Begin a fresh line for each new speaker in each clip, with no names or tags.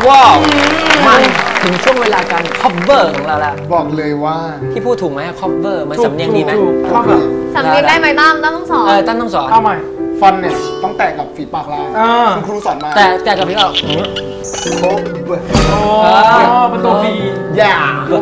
ว้าวมาถึงช่วงเวลาการ cover ของเราแล้ว
บอกเลยว่า
พี่พูดถูกไหม cover มันสำเนียงดีไหม
สำเนียงได้ไหมตั้มต้องสอน
ตั้มต้องสอน
เอาใหม่ฟอนเนี่ยต้องแตะกับฝีปากลายคุณครูสอนมา
แต่กับพี่เรา
โค้
เป็นตัวฟี
อย่า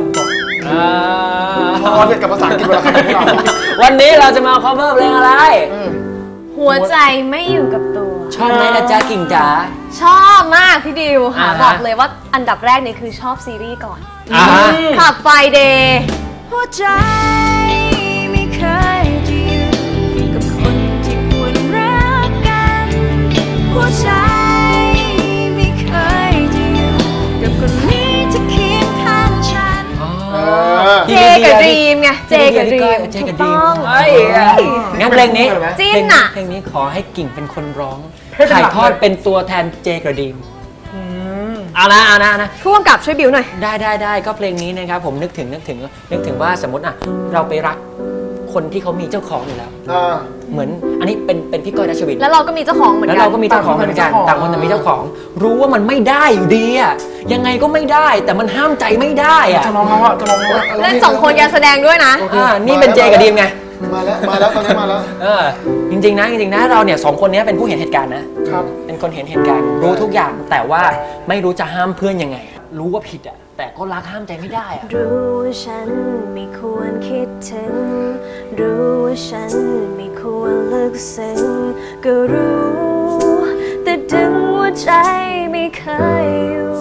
พอเรียนกับภาษาอังกฤษเวลา
วันนี้เราจะมา cover เพลงอะไร
หัวใจไม่อยู่กับตัว
ชอบไหมนะจ๊ะกิ่งจ๋า
ชอบมากพี่ดิวค่ะบอกเลยว่าอันดับแรกเนี่ยคือชอบซีรีส์ก่อนขับไฟเดย์หัวใจไม่เคยจะอยู่กับคนที่ควรรักกันหัวใจไม่เคยจะอยู่กับคนนี้ที่เคียงข้างฉันเจกับดรีมไงเจกับดรีมถูกต้อง
งั้นเพลงนี้
จิ้นอะ
เพลงนี้ขอให้กิ่งเป็นคนร้องถ่ายทอดเป็นตัวแทนเจกับดรีมเอานะ
ผู้กำกับช่วยบิวหน่อย
ได้ก็เพลงนี้นะครับผมนึกถึงว่าสมมติเราไปรักคนที่เขามีเจ้าของอยู่แล้วเหมือนอันนี้เป็นพี่ก้อยรัชวิน
แล้วเราก็มีเจ้าของเหมือนกัน
แล้วเราก็มีเจ้าของเหมือนกันต่างคนแต่มีเจ้าของรู้ว่ามันไม่ได้อยู่ดีอะยังไงก็ไม่ได้แต่มันห้ามใจไม่ได้อะ
จะลอง
เล่น2 คนการแสดงด้วยนะ
นี่เป็นเจกับดรีมไง
มาแล้วตอนนี้มาแล้ว
จริงๆนะเราเนี่ย2 คนนี้เป็นผู้เห็นเหตุการณ์นะครับเป็นคนเห็นเหตุการณ์รู้ทุกอย่างแต่ว่าไม่รู้จะห้ามเพื่อนยังไงรู้ว่าผิดอะแต่ก็รักห้ามใจไม่ได้อะ
รู้ว่าฉันไม่ควรคิดถึงรู้ว่าฉันไม่ควรลึกซึ้งก็รู้แต่ดึงหัวใจไม่เคยอยู่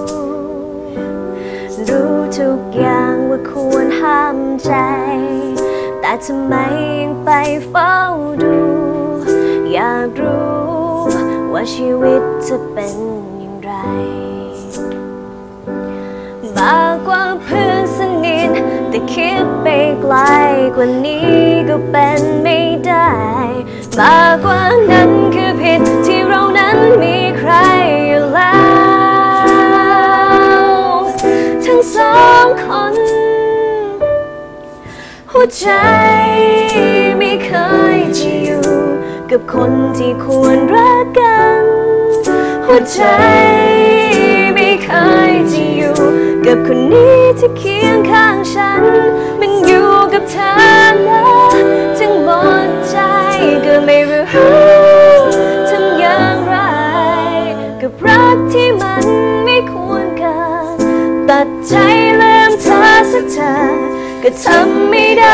รู้ทุกอย่างว่าควรห้ามใจแต่ทำไมยังไปเฝ้าดูอยากรู้ว่าชีวิตจะเป็นอย่างไรมากกว่าเพื่อนสนิทแต่คิดไปไกลกว่านี้ก็เป็นไม่ได้มากกว่านั้นคือผิดที่เรานั้นมีใครอยู่แล้วทั้ง2 คนหัวใจไม่เคยจะอยู่กับคนที่ควรรักกันหัวใจไม่เคยจะอยู่กับคนนี้ที่เคียงข้างฉันมันอยู่กับเธอนะจึงหมดใจก็ไม่รู้ทำอย่างไรกับรักที่มันไม่ควรกันตัดใจลืมเธอสักเธอก็ทำไม่ได้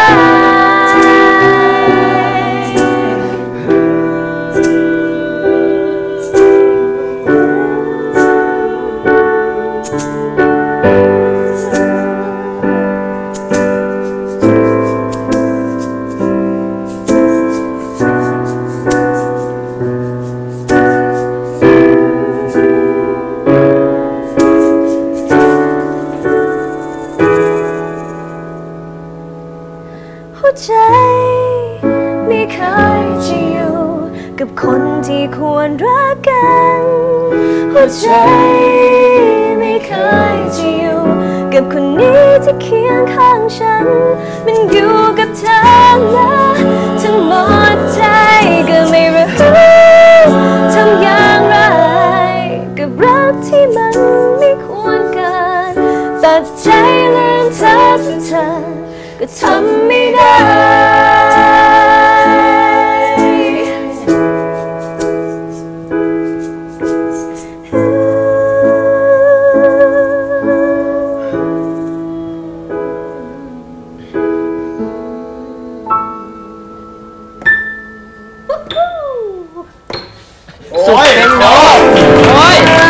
หัวใจไม่เคยจะอยู่กับคนที่ควรรักกันหัวใจไม่เคยจะอยู่กับคนนี้ที่เคียงข้างฉันมันอยู่กับเธอนะทั้งหมดใจก็ไม่รู้ทำอย่างไรกับรักที่มันไม่ควรกันตัดใจลืมเธอสักเธอก็ทำไม่ได้
สุดเป็นโดโอ้ย